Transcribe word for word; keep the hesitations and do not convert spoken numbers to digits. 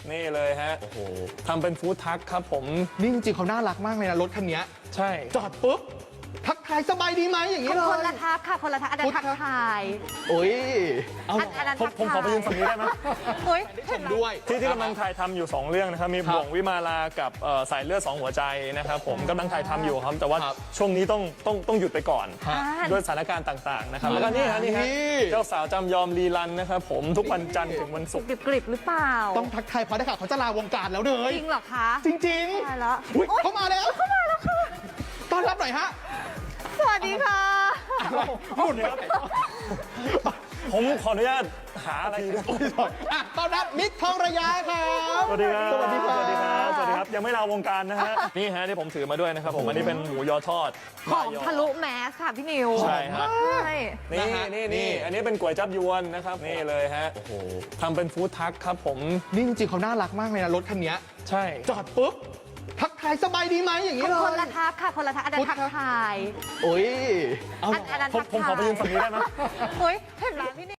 นี่เลยฮะโอ้โหทำเป็นฟู้ดทัคครับผมนี่จริงๆเขาน่ารักมากเลยนะรถคันนี้ใช่จอดปุ๊บทักทายสบายดีไหมอย่างนี้เลยคนละทักค่ะคนละทักอันนั้นทักทายโอ้ยเอาอันอันนั้นผมทักผมขอไปยืนฝั่งนี้ได้ไหมเฮ้ยชมด้วยที่ที่กำลังถ่ายทำอยู่ สอง เรื่องนะครับมีครับบ่วงวิมาลากับเอ่อสายเลือดสองหัวใจนะครับผมกำลังถ่ายทำอยู่ครับแต่ว่าครับช่วงนี้ต้องต้องต้องหยุดไปก่อนฮะด้วยสถานการณ์ต่างๆนะครับแล้วก็นี่ฮะนี่ฮะนี่เจ้าสาวจำยอมรีรันนะครับผมทุกวันจันทร์ถึงวันศุกร์กริบกริบหรือเปล่าต้องทักทายเพราะได้ข่าวเขาจะลาวงการแล้วเลยจริงเหรอคะจริงๆตายแล้วอุ๊ยโอ๊ยเขามาแล้วเขามาแล้วค่ะต้อนรับหน่อยฮะสวัสดีค่ะหมุนครับผมขออนุญาตหาอะไรด้วยอ่ะต้อนรับมิกทองระยะครับสวัสดีครับสวัสดีครับสวัสดีครับสวัสดีครับยังไม่ลาวงการนะฮะนี่ฮะที่ผมถือมาด้วยนะครับผมอันนี้เป็นหมูยอทอดหอมทะลุแมสค่ะพี่นิวใช่ฮะใช่นี่นะฮะนี่นี่นี่อันนี้เป็นก๋วยจับยวนนะครับนี่เลยฮะโอ้โหทำเป็นฟู้ดทัคครับผมนี่จริงๆเขาน่ารักมากเลยนะรถคันนี้ใช่จอดปุ๊บทักทายสบายดีไหมอย่างนี้เลยคนละทักค่ะคนละทักอันนั้นทักทายโอ้ยเอาอันอันนั้นผมทักผมขอไปยืนฝั่งนี้ได้ไหมเฮ้ยเห็นไหมพี่นิว